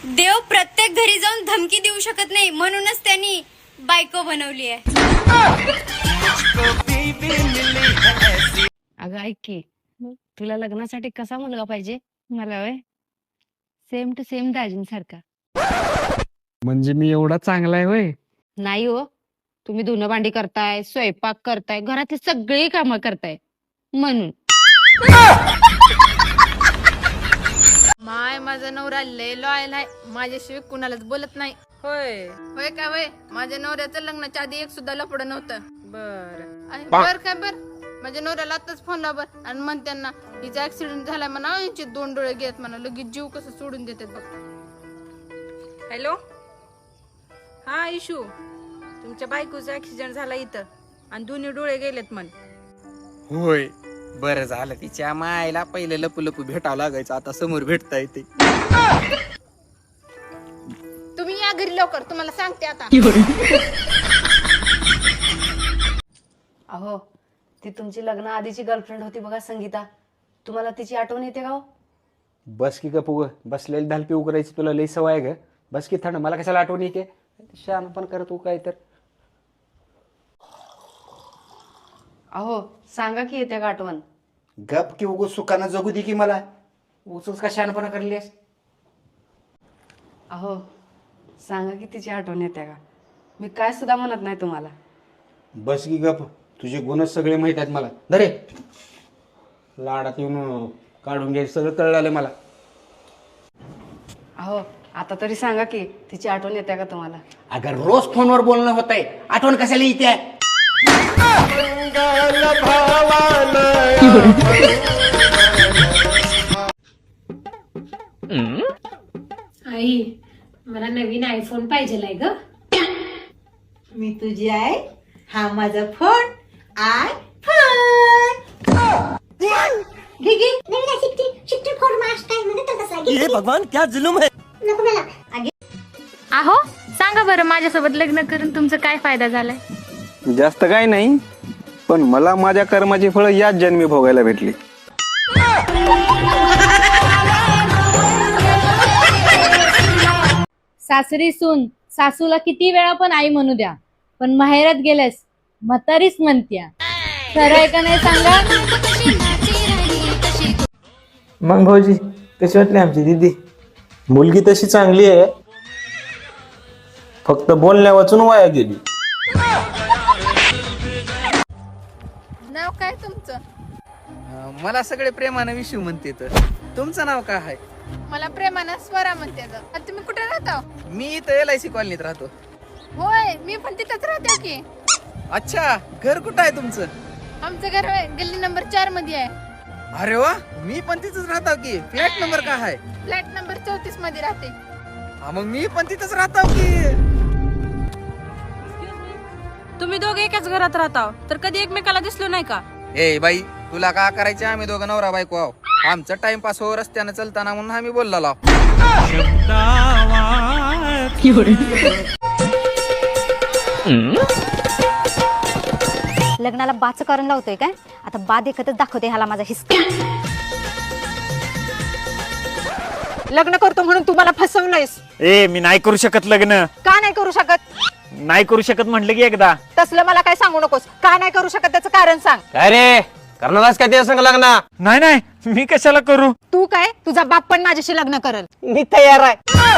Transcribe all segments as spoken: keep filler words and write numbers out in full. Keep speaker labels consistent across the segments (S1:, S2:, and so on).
S1: देव प्रत्येक घरी जाऊन धमकी देऊ शकत नाही, म्हणूनच त्यांनी बायको बनवली आहे.
S2: अगं ऐक की, तुला लग्नासाठी कसा मुलगा पाहिजे? मला वय सेम टू सेम दाजींसारखा.
S3: म्हणजे मी एवढा चांगला आहे होय?
S2: नाही हो, तुम्ही धुणं भांडी करताय, स्वयंपाक करताय, घरातली सगळी कामं करताय म्हणून.
S4: माय माझा नवरा लय लॉयल आहे, माझ्याशिवाय कुणालाच बोलत नाही.
S5: होय
S4: होय का होय? माझ्या नवऱ्याचं लग्नाच्या आधी एक सुद्धा लफडं नव्हतं.
S5: बर
S4: आहे, बर काय बर. माझ्या नवऱ्याला आताच फोन लावर आणि म्हण त्यांना हिचा ऍक्सिडेंट झालाय म्हणा, यांचे दोन डोळे घेत म्हणा, लगेच जीव कसं सोडून देतात बघ.
S5: हॅलो, हा इशू, तुमच्या बायकोचा ऍक्सिडेंट झाला इथं आणि दोन्ही डोळे गेलेत म्हण.
S6: होय, बरं झालं. तिच्या मायला पहिले लपू लपू भेटावं लागायचं, आता समोर भेटता येते.
S4: तुम्ही या घरी लवकर, तुम्हाला सांगते आता.
S2: अहो, ती तुमची लग्न आधीची गर्लफ्रेंड होती बघा संगीता, तुम्हाला तिची आठवण येते का हो?
S7: बस की गप उग बसलेली धालपी उकरायची तुला लई सवय आहे ग. बस की थंड, मला कशाला आठवण येते? शान पण करत तू काय तर.
S2: अहो सांगा की येते का आठवण?
S7: गप की उगो सुखानं जगू दे की मला. उचच का शहाणपणा करलीस?
S2: अहो सांगा की तिची आठवण येते का? मी काय सुद्धा म्हणत नाही तुम्हाला.
S7: बस की गप, तुझे गुणच सगळे माहित आहेत मला. दरे लाडात येऊन काढून घ्यायचं सगळं कळलं मला.
S2: अहो आता तरी सांगा की तिची आठवण येते का तुम्हाला?
S7: अगर रोज फोनवर बोलणं होत आहे, आठवण कशाला येते?
S8: आई, मला नवीन आयफोन पाहिजे ग.
S9: मी तुझी आहे, हा माझा फोन आय फोन. घे घे, नवीन सिक्स्टी सिक्स्टी फोर मास्ट काय म्हणत तसा घे.
S6: हे भगवान, क्या जुलूम है.
S9: नको मला. आगे
S4: आहो सांगा बरं, माझ्यासोबत लग्न करून तुमचा काय फायदा झालाय?
S6: जास्त काय नाही, पण मला माझ्या कर्माची फळं याच जन्मी भोगायला भेटली.
S8: सासरी सून सासूला किती वेळा पण आई म्हणू द्या, पण माहेरात गेल्यास म्हातारीच म्हणत्या. खरं आहे का नाही सांगा?
S3: मग भाऊजी कशी वाटली आमची दीदी?
S10: मुलगी तशी चांगली आहे, फक्त बोलण्या वाचून वाया गेली.
S4: नाव काय तुमचं?
S6: अं, मला सगळे प्रेमानं विशू म्हणते. तर तुमचं नाव काय आहे?
S4: मला प्रेमानं स्वरा म्हणते. आणि तुम्ही कुठे राहता?
S6: मी इथं एल आय सी कॉलनीत राहतो.
S4: होय, मी पण तिथंच राहते की.
S6: अच्छा, घर कुठं आहे तुमचं?
S4: आमचं घर होय, गल्ली नंबर चार मध्ये आहे.
S6: अरे वा, मी पण तिथंच राहतो की. फ्लॅट नंबर काय आहे?
S4: फ्लॅट नंबर चौतीस मध्ये राहते.
S6: हा, मग मी पण तिथंच राहतो की.
S5: तुम्ही दोघे एकाच घरात राहता तर कधी एकमेकाला दिसलो नाही का?
S6: ए बाई, तुला का करायचे? आम्ही दोघं नवरा बायको आहो. आमचं टाइमपास हो रस्त्यानं चलताना म्हणून आम्ही बोलला.
S1: लग्नाला बाच करून लावतोय काय? आता बा देखतच दाखवते ह्याला माझा हिस्सा.
S5: लग्न करतो म्हणून तुम्हाला फसवलंयस.
S10: ए मी नाही करू शकत लग्न.
S5: का नाही करू शकत?
S10: नाही करू शकत म्हटलं की एकदा.
S5: तसलं मला काय सांगू नकोस. का नाही करू शकत त्याचं कारण सांग.
S10: काय रे, करणारच काय ते संग लग्न? नाही नाही, मी कशाला करू?
S5: तू काय, तुझा बाप पण माझ्याशी लग्न करल.
S10: मी तयार आहे.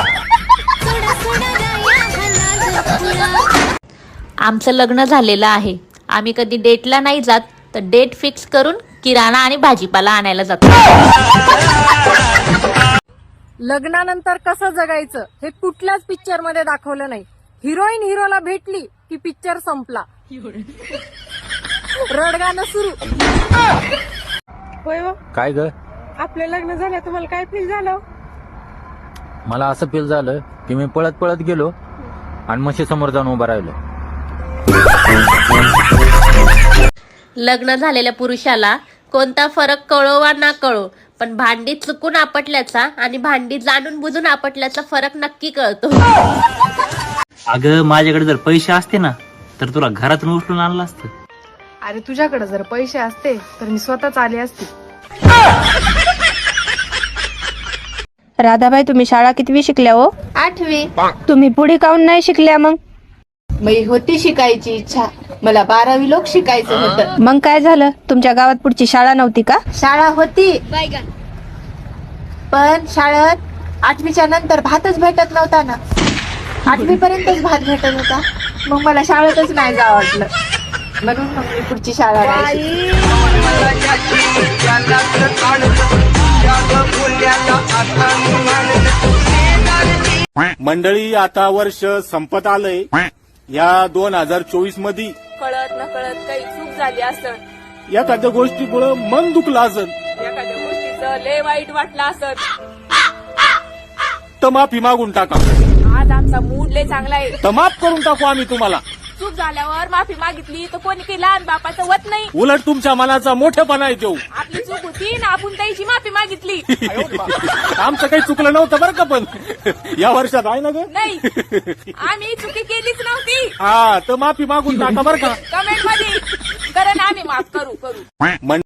S8: आमचं लग्न झालेलं आहे, आम्ही कधी डेटला नाही जात, तर डेट फिक्स करून किराणा आणि भाजीपाला आणायला जातो.
S5: लग्नानंतर कसं जगायचं हे कुठल्याच पिक्चर मध्ये दाखवलं नाही. हिरोईन हिरोला भेटली की पिक्चर संपला. रडगाणं सुरू. होय,
S10: काय ग?
S5: आपलं लग्न झालं तुम्हाला काय फील झालं?
S10: मला असं फील झालं की मी पळत पळत गेलो आणि म्हशी समोर जाऊन उभा राहिलो.
S8: लग्न झालेल्या पुरुषाला कोणता फरक कळो वा ना कळो, पण भांडी चुकून आपटल्याचा आणि भांडी जाणून बुजून आपटल्याचा फरक नक्की कळतो.
S10: अगं माझ्याकडे जर पैसे असते ना तर तुला घरातून उचलून आणलं असतं.
S4: अरे तुझ्याकडे जर पैसे असते तर मी स्वतःच आले असते.
S2: राधाबाई तुम्ही शाळा कितवी शिकल्या हो?
S4: आठवी.
S2: तुम्ही पुढे काऊन नाही शिकल्या मग?
S4: मी होती शिकायची इच्छा, मला बारावी लोक शिकायचं होतं.
S2: मग काय झालं? तुमच्या गावात पुढची शाळा नव्हती का?
S4: शाळा होती पण शाळेत आठवीच्या नंतर भातच भेटत नव्हता ना. आठवी पर्यंतच भात भेटत होता. मग मला शाळेतच नाही जावं वाटलं, म्हणून मग मी पुढची शाळा नाही शिकली.
S11: मंडळी, आता वर्ष संपत आलंय. या दोन हजार चोवीस मध्ये
S5: कळत न कळत काही चूक झाली असत,
S11: एखाद्या गोष्टीमुळे मन दुखलं असन
S5: एखाद्या गोष्टीचं लय वाईट वाटलं असत,
S11: तर माफी मागून टाका.
S5: आज आमचा मूड लय चांगला आहे,
S11: तर माफ करून टाकू आम्ही तुम्हाला.
S5: चूक झाल्यावर माफी मागितली तर कोणी काही लहान बापाचं वत नाही.
S11: उलट तुमच्या मनाचा मोठेपणा आहे देऊ.
S5: आपली चूक होती ना, आपण त्याची माफी मागितली.
S11: आमचं काही चुकलं नव्हतं बरं का, पण या वर्षात आहे ना ग.
S5: नाही, आम्ही चुकी केलीच नव्हती.
S11: हा, तर माफी मागून टाका बरं का.
S5: कमेंट मध्ये कारण आम्ही माफ करू करू